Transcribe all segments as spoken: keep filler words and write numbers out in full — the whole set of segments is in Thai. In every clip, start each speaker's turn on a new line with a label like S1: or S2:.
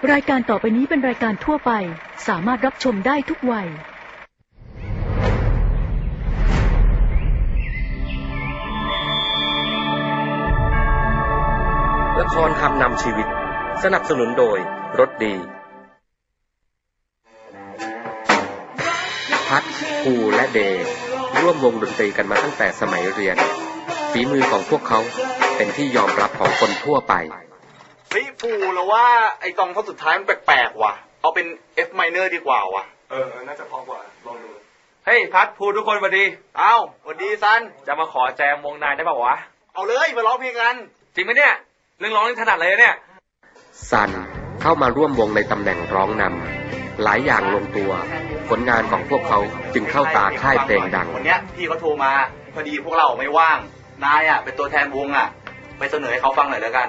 S1: รายการต่อไปนี้เป็นรายการทั่วไปสามารถรับชมได้ทุกวัย
S2: ละครคำนำชีวิตสนับสนุนโดยรถดีพัดภูและเดย์ร่วมวงดนตรีกันมาตั้งแต่สมัยเรียนฝีมือของพวกเขาเป็นที่ยอมรับของคนทั่วไป
S3: เฮ้ยภูแล้วว่าไอ้ตองท่อนสุดท้ายมันแปลกๆว่ะเอาเป็น F minor ดีกว่าว่ะ
S4: เออน่าจะพอกว่าลองดู
S3: เฮ้ยพัดภูทุกคนสวัสดีเอ้าสวัสดีซัน
S4: จะมาขอแจมวงนายได้ป่าววะ
S3: เอาเลยมาร้องเพลงกัน
S4: จริงไหมเนี่ยเรื่องร้องนี่ถนัดเลยเนี่ย
S2: ซันเข้ามาร่วมวงในตำแหน่งร้องนำหลายอย่างลงตัวผลงานของพวกเขาจึงเข้าตาค่ายเพลงดัง
S3: วันนี้พี่เขาโทรมาพอดีพวกเราไม่ว่างนายอ่ะเป็นตัวแทนวงอ่ะไปเสนอให้เขาฟังหน่อยแล้วกัน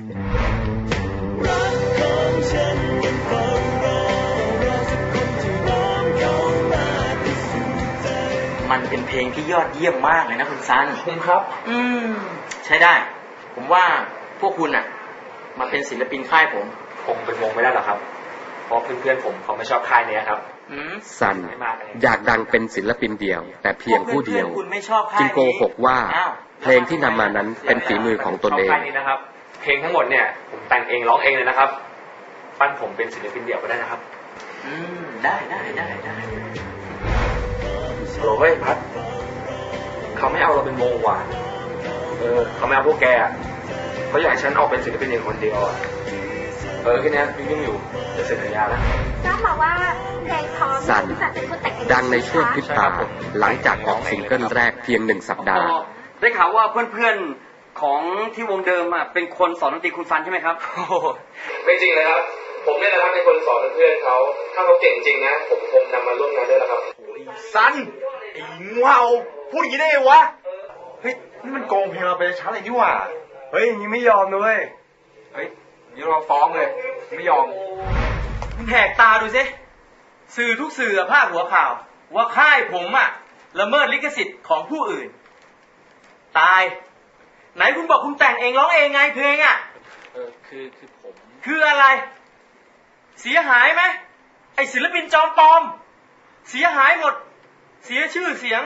S5: มันเป็นเพลงที่ยอดเยี่ยมมากเลยนะคุณซัน
S4: ผมครับ
S5: อืมใช้ได้ผมว่าพวกคุณอ่ะมาเป็นศิลปินค่ายผม
S4: คงเป็นวงไม่ได้หรอกครับเพราะเพื่อนๆผมเขาไม่ชอบค่ายนี้ครับ
S2: ซันอยากดังเป็นศิลปินเดี่ยวแต่เพียงผู้เดียวจึงโกหกว่าเพลงที่นำมานั้นเป็นฝีมือของตนเอง
S4: นะครับเพลงทั้งหมดเนี่ยผมแต่งเองร้องเองเลยนะครับปั้นผมเป็นศิลปินเดี่ยวก็ได้นะครับ
S5: อืมได้ได้ได้ได้
S4: โหเฮ้ยพัดเขาไม่เอาเราเป็นวงว่ะเออเขาไม่เอาพวกแกเขาอยากให้ฉันออกเป็นศิลปินเองคนเดียวอ่ะเออแค่นี้ยุ่งอยู่จะเซ็นสัญญาแล้ว
S6: น้าบอกว่าเพลงท้อง
S2: ซันดังในช่วงพริบตาหลังจากออกซิงเกิลแรกเพียงหนึ่งสัปดาห์
S5: ได้ข่าวว่าเพื่อนๆของที่วงเดิมอ่ะเป็นคนสอนดนตรีคุณซันใช่ไหมครับ
S4: ไม่จริงเลยครับผมเนี่ยนะครับเป็นคนสอนเพื่อนเขาถ้าเขาเก่งจริงนะผมคงนำมาร่วมงานด้วยแล้วครับ
S3: ซันไอ้งูเห่าพูดอย่างนี้ได้วะเฮ้ยนี่มันโกงเพลงเราไปช้าเลยนี่หว่าเฮ้ยอย่างนี้ไม่ยอมเลย
S4: เฮ้ยเดี๋ยวเราฟ้องเลยไม่ยอม
S5: คุณแหกตาดูสิสื่อทุกสื่อพาดหัวข่าวว่าค่ายผมอ่ะละเมิดลิขสิทธิ์ของผู้อื่นตายไหนคุณบอกคุณแต่งเองร้องเองไงเพลงอ่ะ
S4: เออคือคือผม
S5: คืออะไรเสียหายไหมไอศิลปินจอมปลอมเสียหายหมดเสียชื่อเสียง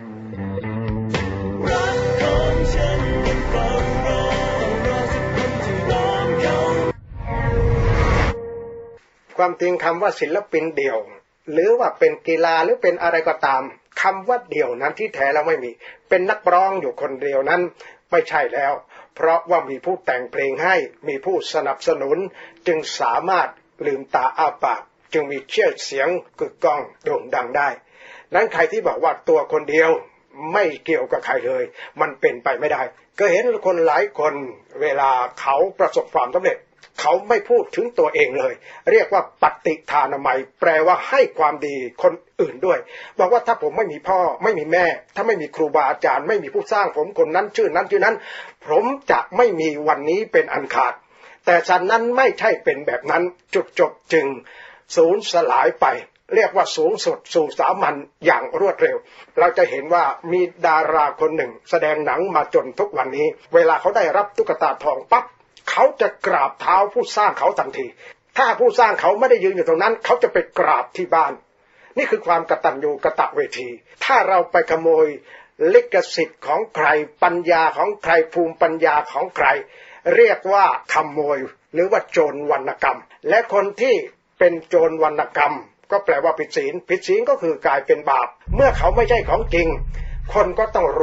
S7: ความจริงคำว่าศิลปินเดี่ยวหรือว่าเป็นกีฬาหรือเป็นอะไรก็ตามคำว่าเดี่ยวนั้นที่แท้แล้วไม่มีเป็นนักร้องอยู่คนเดียวนั้นไม่ใช่แล้วเพราะว่ามีผู้แต่งเพลงให้มีผู้สนับสนุนจึงสามารถลืมตาอ้าปากจึงมีชื่อเสียงกึกก้องโด่งดังได้นั้นใครที่บอกว่าตัวคนเดียวไม่เกี่ยวกับใครเลยมันเป็นไปไม่ได้ก็เห็นคนหลายคนเวลาเขาประสบความสำเร็จเขาไม่พูดถึงตัวเองเลยเรียกว่าปฏิทานามัยแปลว่าให้ความดีคนอื่นด้วยบอกว่าถ้าผมไม่มีพ่อไม่มีแม่ถ้าไม่มีครูบาอาจารย์ไม่มีผู้สร้างผมคนนั้นชื่อนั้นชื่อนั้นผมจะไม่มีวันนี้เป็นอันขาดแต่ฉันนั้นไม่ใช่เป็นแบบนั้นจุดจบจึงสูญสลายไปเรียกว่าสูงสุดสู่สามัญอย่างรวดเร็วเราจะเห็นว่ามีดาราคนหนึ่งแสดงหนังมาจนทุกวันนี้เวลาเขาได้รับตุ๊กตาทองปั๊บเขาจะกราบเท้าผู้สร้างเขาทันทีถ้าผู้สร้างเขาไม่ได้ยืนอยู่ตรงนั้นเขาจะไปกราบที่บ้านนี่คือความกตัญญูกตเวทีถ้าเราไปขโมยลิขสิทธิ์ของใครปัญญาของใครภูมิปัญญาของใครเรียกว่าขโมยหรือว่าโจรวรรณกรรมและคนที่เป็นโจรวรรณกรรมก็แปลว่าผิดศีลผิดศีลก็คือกลายเป็นบาปเมื่อเขาไม่ใช่ของจริงคนก็ต้อง